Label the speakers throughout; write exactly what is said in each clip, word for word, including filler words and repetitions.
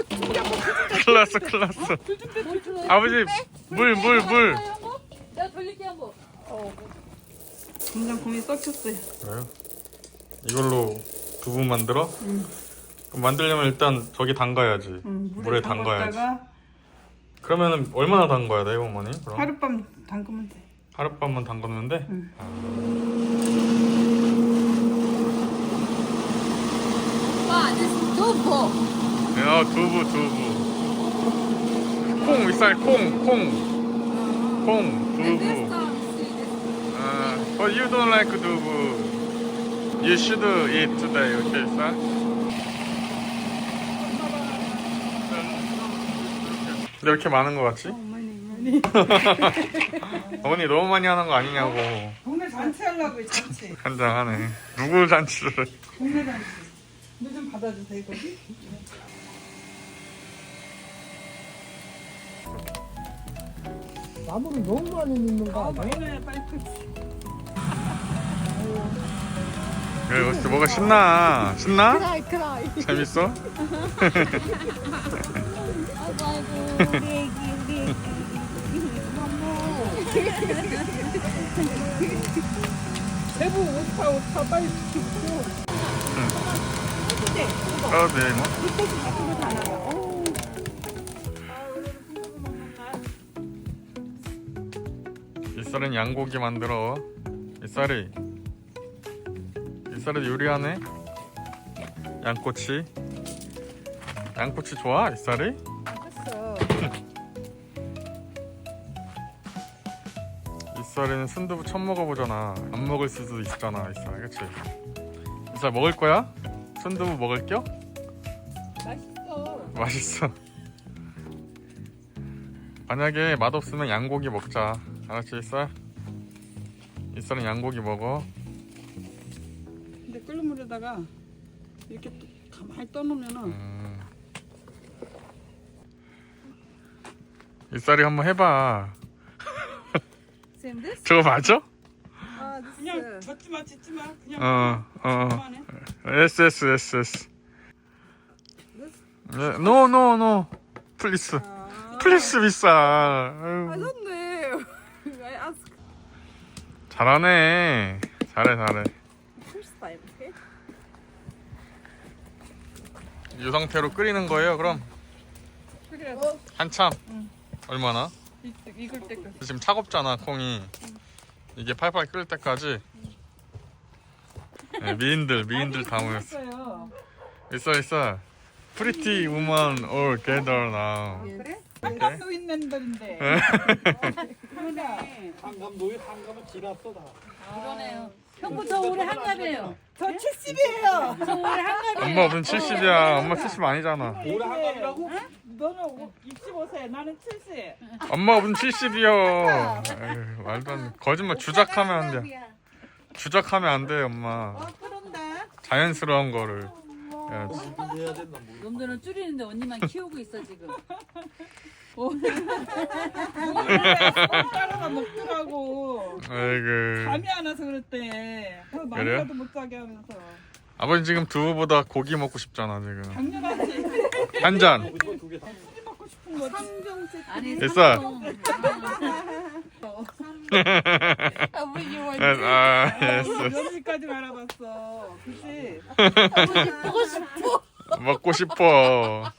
Speaker 1: 큰일 났어 큰일 났어. 아버지 물 물 물.
Speaker 2: 내가 돌릴게 한번.
Speaker 3: 공장콩이 썩혔어요.
Speaker 1: 그래요? 이걸로 두부 만들어?
Speaker 3: 응.
Speaker 1: 그럼 만들려면 일단 저기 담가야지.
Speaker 3: 응,
Speaker 1: 물에 담가야지.
Speaker 3: 담갔다가
Speaker 1: 그러면은 얼마나 담가야 돼, 어머니? 그럼
Speaker 3: 하룻밤 담그면 돼.
Speaker 1: 하룻밤만 담가면 돼?
Speaker 3: 응.
Speaker 2: 아, this 두부.
Speaker 1: 야, 두부 두부. 콩 윗살 콩 콩. 콩
Speaker 2: This
Speaker 1: 두부.
Speaker 2: one, see this.
Speaker 1: 아, but you don't like 두부. You should eat today, okay, sir? 근데 왜 이렇게 많은 거 같지?
Speaker 3: 어머니, 어머니.
Speaker 1: 어머니 너무 많이 하는 거 아니냐고.
Speaker 3: 동네 잔치 하려고 잔치.
Speaker 1: 한장하네. 누구 잔치를?
Speaker 3: 동네 잔치. 물 좀 받아주세요, 거기.
Speaker 4: 나무를 너무 많이 넣는 거
Speaker 3: 아,
Speaker 4: 아니야?
Speaker 3: 많이 넣어야 빨리 크지.
Speaker 1: 그래, 어떻게 뭐가 신나? 신나?
Speaker 4: 크라이 크라이.
Speaker 1: 재밌어?
Speaker 2: 아이고, 아이고, 우리 애기, 우리 애기.
Speaker 3: 대부 오타 오타 빨리 죽고.
Speaker 1: 어, 네, 뭐. 이쌀은 양고기 만들어. 이쌀이 이쌀이 요리하네. 양꼬치. 양꼬치 좋아? 이쌀이?
Speaker 3: 했어.
Speaker 1: 이쌀이는 순두부 처음 먹어보잖아. 안 먹을 수도 있잖아, 이쌀. 그치? 이쌀 먹을 거야? 순두부 먹을 겨?
Speaker 3: 맛있어.
Speaker 1: 맛있어. 만약에 맛없으면 양고기 먹자. 알았지, 이쌀? 이쌀은 양고기 먹어.
Speaker 3: 근데 끓는 물에다가 이렇게 또 가만히 떠놓으면은
Speaker 1: 음. 이쌀이 한번 해봐.
Speaker 2: Same this?
Speaker 1: 저거 맞아?
Speaker 2: 아, this
Speaker 3: 그냥
Speaker 2: is.
Speaker 3: 젓지 마, 짓지 마. 그냥
Speaker 1: 어, 어.
Speaker 3: 그만해.
Speaker 1: S S S S. No, no, no. 플리스.
Speaker 3: 아,
Speaker 1: 플리스 비싸.
Speaker 2: I
Speaker 1: 아유,
Speaker 2: don't know. I ask
Speaker 1: 잘하네. 잘해, 잘해.
Speaker 2: first time, okay?
Speaker 1: 이 상태로 끓이는 거예요, 그럼?
Speaker 3: 그래.
Speaker 1: 한참?
Speaker 3: 응.
Speaker 1: 얼마나?
Speaker 3: 이- 익을 때까지.
Speaker 1: 지금 차갑잖아, 콩이. 이게 팔팔 끓을 때까지. 네, 미인들, 미인들 다 모였어.
Speaker 3: 했어요.
Speaker 1: 있어, 있어. Pretty woman all gather now.
Speaker 3: 그래? 한감도 있는 데인데.
Speaker 1: 네.
Speaker 3: 그러네.
Speaker 4: 한감 노예 한감은 지났어 다.
Speaker 2: 그러네요. 형부 저 올해 한갑이에요.
Speaker 3: 저 칠십이에요.
Speaker 2: 저 올해 한갑이에요.
Speaker 1: 엄마 무슨 칠십이야. 엄마 칠십 아니잖아.
Speaker 4: 올해 한감이라고?
Speaker 3: 너는 육십오 세, 나는 칠십.
Speaker 1: 엄마가 무슨 칠십이요. 에휴, 말도 안 돼. 거짓말 주작하면 안 돼. 주작하면 안 돼, 엄마.
Speaker 3: 그런다.
Speaker 1: 자연스러운 거를 해야지.
Speaker 4: 준비해야 된다 뭐.
Speaker 2: 놈들은 줄이는데 언니만 키우고 있어 지금.
Speaker 3: 따라가 먹더라고.
Speaker 1: 아이고.
Speaker 3: 잠이 안 와서 그랬대. 그
Speaker 1: 그래요?
Speaker 3: 많이라도 못 자게 하면서.
Speaker 1: 아버지 지금 두부보다 고기 먹고 싶잖아, 지금.
Speaker 3: 당연하지.
Speaker 1: 한 잔.
Speaker 4: 이거 두 개 다.
Speaker 3: 술이 먹고 싶은 거지.
Speaker 2: 아니
Speaker 1: 됐어.
Speaker 2: 삼성. 아버지 원.
Speaker 1: 아, 예스.
Speaker 3: 며칠까지 알아봤어. 그치?
Speaker 2: 아버지 보고 싶어.
Speaker 1: 먹고 싶어.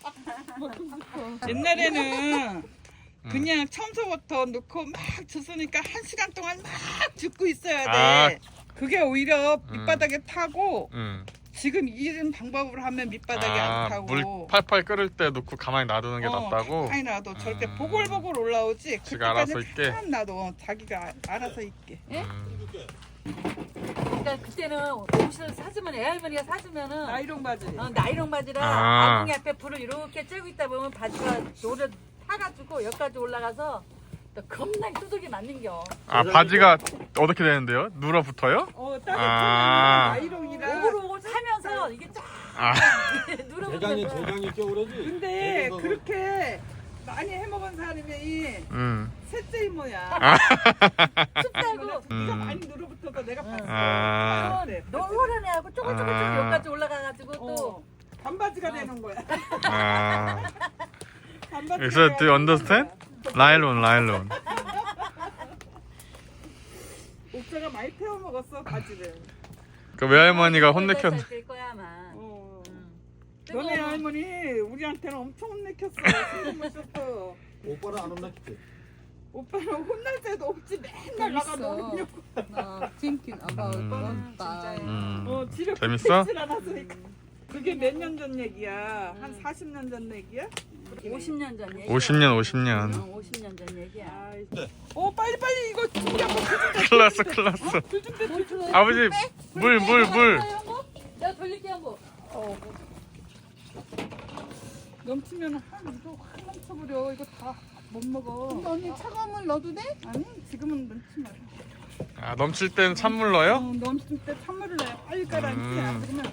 Speaker 3: 옛날에는 그냥 청소부터 넣고 막 줬으니까 한 시간 동안 막 줍고 있어야 돼.
Speaker 1: 아.
Speaker 3: 그게 오히려 밑바닥에 타고
Speaker 1: 응.
Speaker 3: 지금 이런 방법으로 하면 밑바닥에
Speaker 1: 아,
Speaker 3: 안 타고
Speaker 1: 물 팔팔 끓을 때 넣고 가만히 놔두는 게
Speaker 3: 어,
Speaker 1: 낫다고?
Speaker 3: 가만히 놔둬. 저렇게
Speaker 1: 음.
Speaker 3: 보글보글 올라오지.
Speaker 1: 지가 알아서
Speaker 3: 그때까지
Speaker 1: 있게?
Speaker 3: 가만 놔둬. 자기가 아- 알아서 있게.
Speaker 1: 음.
Speaker 2: 그러니까 그때는 옷을 사주면 애 할머니가 사주면은
Speaker 3: 나이롱 바지.
Speaker 2: 어, 나이롱 바지라
Speaker 1: 아.
Speaker 2: 아궁이 앞에 불을 이렇게 쬐고 있다 보면 바지가 노래 타가지고 여기까지 올라가서 또 겁나게 두들기 맞는겨.
Speaker 1: 아, 바지가 어떻게 되는데요? 눌어 붙어요?
Speaker 3: 어, 따뜻한
Speaker 1: 아.
Speaker 3: 나이롱이라.
Speaker 2: 오글오글 타면서 이게 쫙
Speaker 1: 아,
Speaker 4: 대장이
Speaker 2: 누르면서
Speaker 4: 대장이 껴오르지.
Speaker 3: 근데 그렇게 많이 해먹은 사람이
Speaker 1: 음.
Speaker 3: 셋째 이모야.
Speaker 1: 아,
Speaker 2: 춥다고
Speaker 3: 네가
Speaker 1: 음.
Speaker 3: 많이 누르붙어서 내가 봤어.
Speaker 1: 아.
Speaker 3: 그래.
Speaker 2: 노란 애하고 쪼글쪼글쪼글
Speaker 1: 아.
Speaker 2: 여기까지 올라가가지고 또
Speaker 3: 어, 반바지가 되는 거야.
Speaker 1: 아.
Speaker 3: 반바지.
Speaker 1: Is that, do you understand? 라일론, 라일론.
Speaker 3: 옥자가 많이 태워 먹었어 바지를.
Speaker 1: 그 외할머니가 혼내켰.
Speaker 2: 될 거야 아마.
Speaker 3: 어.
Speaker 2: 응.
Speaker 3: 너네
Speaker 2: 뜨거워.
Speaker 3: 할머니 우리한테는 엄청 혼내켰어. 신경 썼어.
Speaker 4: 오빠는 안 혼났지?
Speaker 3: 오빠는 혼날 때도 없지. 맨날 나가 놀려고.
Speaker 5: 나 thinking about
Speaker 1: 음.
Speaker 5: one time.
Speaker 1: 음.
Speaker 3: 어, 집에
Speaker 1: 재밌어?
Speaker 3: 붙어있질 않았으니까. 그게 몇 년 전 얘기야? 한 사십 년 전 얘기야?
Speaker 2: 오십 년 전 얘기야.
Speaker 1: 오십 년, 오십 년.
Speaker 2: 응, 오십 년 전 얘기야.
Speaker 3: 아이. 어 빨리 빨리 이거 준비 한번
Speaker 1: 큰일 났어, 큰일 났어.
Speaker 3: 불좀 빼.
Speaker 1: 아버지, 물, 물, 물.
Speaker 2: 내가 돌릴게 한번.
Speaker 3: 넘치면 한 이거 확 넘쳐버려. 이거 다 못 먹어.
Speaker 5: 근데 언니 차가운 물 넣어도 돼?
Speaker 3: 아니 지금은 넣지 마.
Speaker 1: 아, 넘칠 땐 찬물 넣어요?
Speaker 3: 어, 넘칠 때 찬물을 넣어야 빨리 가라앉지.
Speaker 1: 음.
Speaker 3: 안 그러면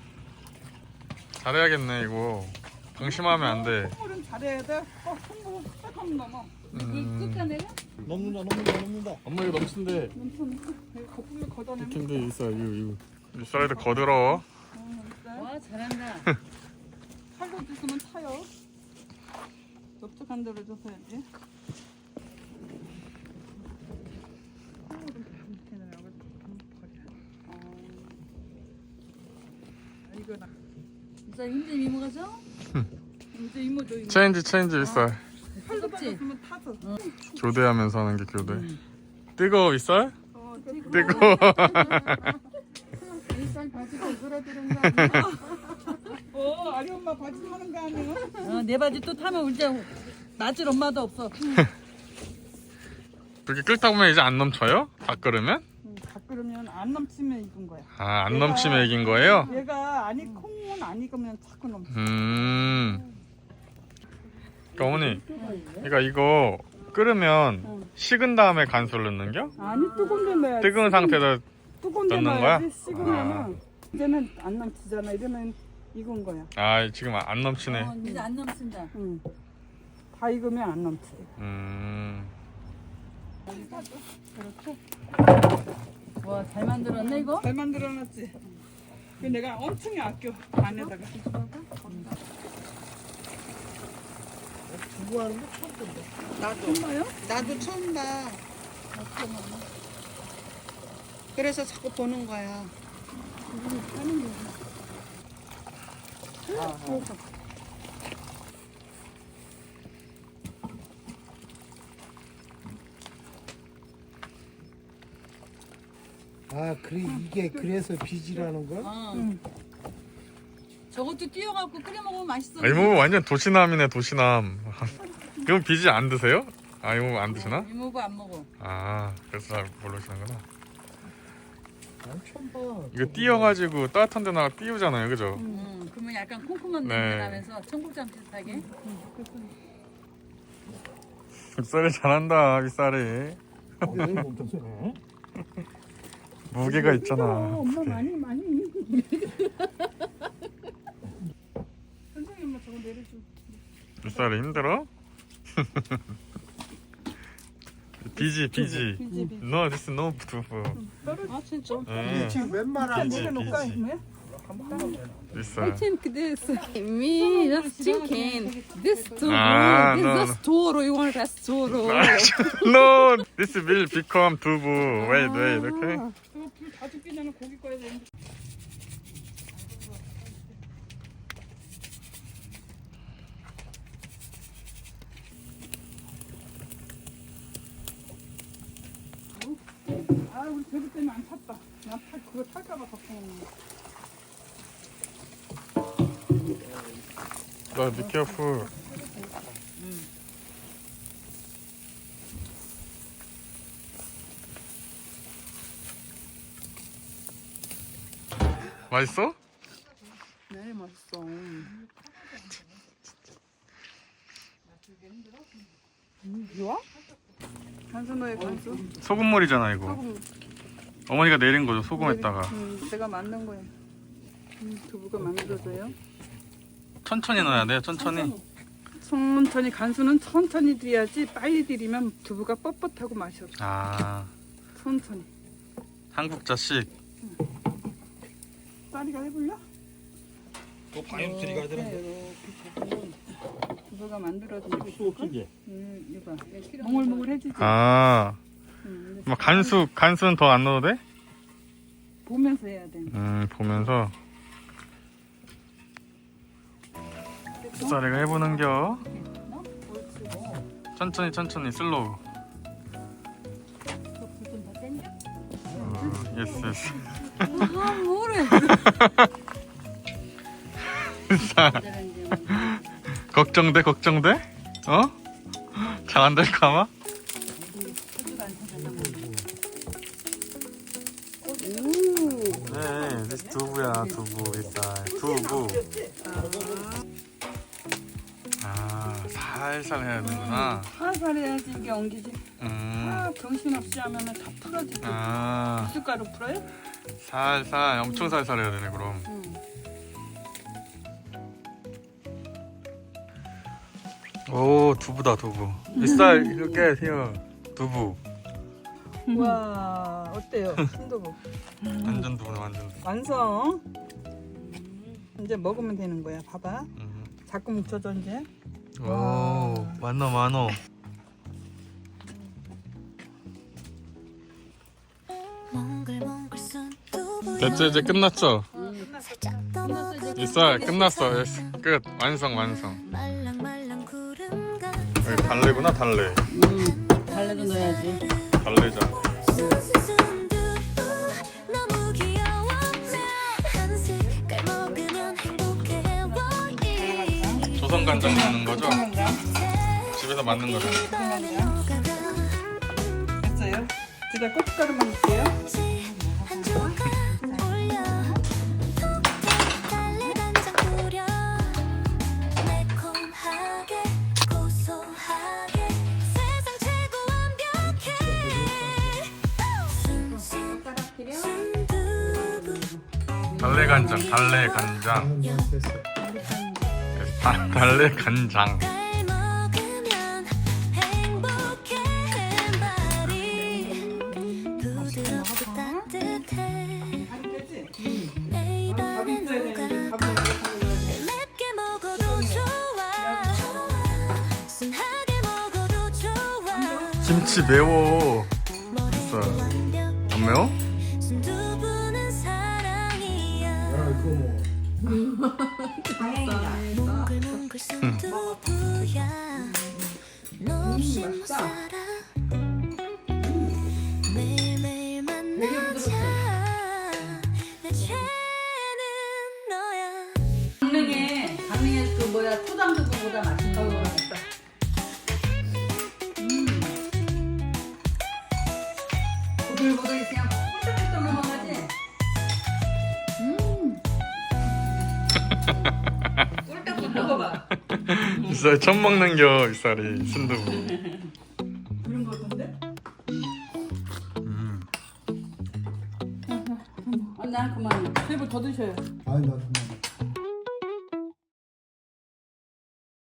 Speaker 1: 잘해야겠네, 이거. 방심하면 안 돼.
Speaker 3: 콧물은 잘해야 돼. 어, 콧물은 딱 하면 넘어.
Speaker 1: 음.
Speaker 2: 꿀까 내가?
Speaker 4: 넘는다 넘는다 넘는다.
Speaker 1: 엄마 이거 넘친데.
Speaker 3: 넘치는 거 거품을 걷어내면.
Speaker 1: 근데 있어, 이거, 이거. 윗사이드 거들어.
Speaker 3: 어, 진짜.
Speaker 2: 와 잘한다.
Speaker 3: 팔로 드시면 타요. 넓적한 데로 줘서야지. 이거 나
Speaker 2: 진짜 힘든 이모가 죠?
Speaker 3: 이제 이모도 이모.
Speaker 1: 체인지, 체인지 윗살.
Speaker 3: 팔로
Speaker 2: 뜨겁지?
Speaker 3: 받았으면 타서.
Speaker 1: 교대하면서 하는 게 교대. 뜨거워, 윗살?
Speaker 3: 어, 되게
Speaker 1: 뜨거워.
Speaker 5: 일살 바지가 오그라드는 거 아니야?
Speaker 3: 어, 아리 엄마 바지 하는 거 아니야?
Speaker 2: 어, 내 바지 또 타면 이제 놔줄 엄마도 없어.
Speaker 1: 그렇게 끓다 보면 이제 안 넘쳐요? 다 끓으면?
Speaker 3: 응, 다 끓으면 안 넘치면 익은 거야.
Speaker 1: 아, 안 넘치면 이긴 거예요?
Speaker 3: 얘가 아니 콩은 안 익으면 자꾸 넘쳐.
Speaker 1: 음. 그러니까 어머니, 그러니까 이거 끓으면 식은 다음에 간수를 넣는겨?
Speaker 3: 아니 뜨거운 데 넣어야지.
Speaker 1: 뜨거운 상태에다
Speaker 3: 뜨거운 데
Speaker 1: 넣는
Speaker 3: 넣어야지.
Speaker 1: 거야?
Speaker 3: 식으면은 이제는 안 넘치잖아. 이러면 익은 거야.
Speaker 1: 아 지금 안 넘치네.
Speaker 2: 어, 이제 안 넘친다.
Speaker 3: 응. 다 익으면 안 넘치.
Speaker 1: 음.
Speaker 2: 와 잘 만들었네 이거.
Speaker 3: 잘 만들어놨지. 그 내가 엄청 아껴 안에다가.
Speaker 4: 두부 하는 거 처음 본다.
Speaker 3: 나도. 정말요?
Speaker 5: 나도 처음 봐. 그래서 자꾸 보는 거야.
Speaker 4: 아 그래 이게 그래서 비지라는 거야?
Speaker 2: 어.
Speaker 3: 응.
Speaker 2: 저것도 띄워갖고 끓여 먹으면 맛있어.
Speaker 1: 아, 이모 완전 도시남이네 도시남. 그럼 비지 안 드세요? 아 이모 안 드시나?
Speaker 2: 이모부 안 먹어.
Speaker 1: 아 그래서 잘 모르시는구나.
Speaker 4: 난 처음 봐.
Speaker 1: 이거 띄워가지고 따뜻한 데다가 띄우잖아요, 그죠?
Speaker 2: 응. 그러면 약간 콩콩한
Speaker 1: 네.
Speaker 2: 냄새 나면서 청국장 비슷하게.
Speaker 1: 윗살이 잘한다 윗살이.
Speaker 4: 여기 엄청 세네.
Speaker 1: 무게가 있잖아.
Speaker 3: 엄마 많이 많이. 선생님 엄마 저거 내려줘.
Speaker 1: 윗살이 힘들어? 비지 비지.
Speaker 3: 비지 비지.
Speaker 1: No, this is no 두부.
Speaker 5: 아 진짜?
Speaker 1: 음,
Speaker 4: 지금 웬만한
Speaker 1: 비지
Speaker 3: 내려놓을까
Speaker 1: 비지.
Speaker 3: 이모야?
Speaker 1: 윗살.
Speaker 5: think this. Me just thinking. This too.
Speaker 1: Ah,
Speaker 5: this
Speaker 1: no,
Speaker 5: just toro. You want that toro?
Speaker 1: No, this will become 두부. Wait, wait, okay?
Speaker 3: 저거 불다 죽기 전에 고기 꺼야 되는데. 아 우리 배부 때문에 안 탔다. 나 탈, 그거 탈까봐 걱정했네.
Speaker 1: 나 be careful. 맛있어?
Speaker 3: 네 맛있어. 좋아? 간수노의 간수.
Speaker 1: 소금물이잖아 이거. 어머니가 내린 거죠 소금에다가.
Speaker 3: 음, 제가 만든 거예요. 음, 두부가 만들어져요.
Speaker 1: 천천히 넣어야 돼요 천천히.
Speaker 3: 천천히 간수는 천천히 들여야지 빨리 들이면 두부가 뻣뻣하고 맛이 없어.
Speaker 1: 아
Speaker 3: 천천히.
Speaker 1: 한국자식.
Speaker 3: 쌀이가 해볼래?
Speaker 4: 또 바이오스리 가야 되는데.
Speaker 3: 네, 이렇게 두부가 내가 만들어주고 있어.
Speaker 4: 소스게.
Speaker 3: 음, 이거 몽글몽글 해주지.
Speaker 1: 아,
Speaker 3: 음,
Speaker 1: 뭐 간수 간수는 더 안 넣어도 돼?
Speaker 3: 보면서 해야 돼.
Speaker 1: 음, 보면서 쌀이가 해보는겨. 천천히 천천히 슬로우.
Speaker 2: 좀더 땡겨?
Speaker 1: 어, 예스 예스.
Speaker 5: 아, 뭐래.
Speaker 1: 쌀. 걱정돼 걱정돼? 어? 잘 안 될까 아마? 네, this 두부야 두부 이쌀 두부. 아, 살살 해야 되는구나.
Speaker 3: 살살 해야지 이게 엉기지.
Speaker 1: 음,
Speaker 3: 아, 정신없이 하면은 다 풀어지지.
Speaker 1: 아,
Speaker 3: 숟가루 풀어요?
Speaker 1: 살살 엄청 살살 해야 되네 그럼.
Speaker 3: 응.
Speaker 1: 오, 두부다 두부. 이쌀 이렇게 해요. 두부.
Speaker 3: 와, 어때요? 순두부.
Speaker 1: 완전 두부네 완전 두부.
Speaker 3: 완성. 이제 먹으면 되는 거야. 봐봐.
Speaker 1: 음.
Speaker 3: 자꾸 묻혀줘 이제.
Speaker 1: 오, 많어 많어. 됐죠 이제 끝났죠? 이쌀 끝났어. 예스. 끝. 완성 완성. 여기 달래구나 달래.
Speaker 2: 음, 달래도 넣어야지.
Speaker 1: 달래자. 조선 간장 넣는 거죠? 집에서 만든 거죠?
Speaker 3: 됐어요? 제가 고춧가루만 넣을게요.
Speaker 1: 달래 간장, 달래 간장, 다, 달래 간장.
Speaker 3: 밥이 있어야 되는데 밥을
Speaker 1: 김치 매워. 있어. 안 매워?
Speaker 4: 야 이거 뭐.
Speaker 2: 강릉에 강릉에 그 뭐야 초장두부보다 맛있는 거 같다. 보들보들 그냥 꿀떡꿀떡 넘어가지. 음. 꿀떡꿀떡 먹어봐.
Speaker 1: 이쌀 처음 먹는 겨 이쌀이 순두부.
Speaker 3: 그런 거 같은데?
Speaker 1: 음.
Speaker 2: 언니 한 그만.
Speaker 3: 세부 더 드셔요.
Speaker 4: 아니 나 그만.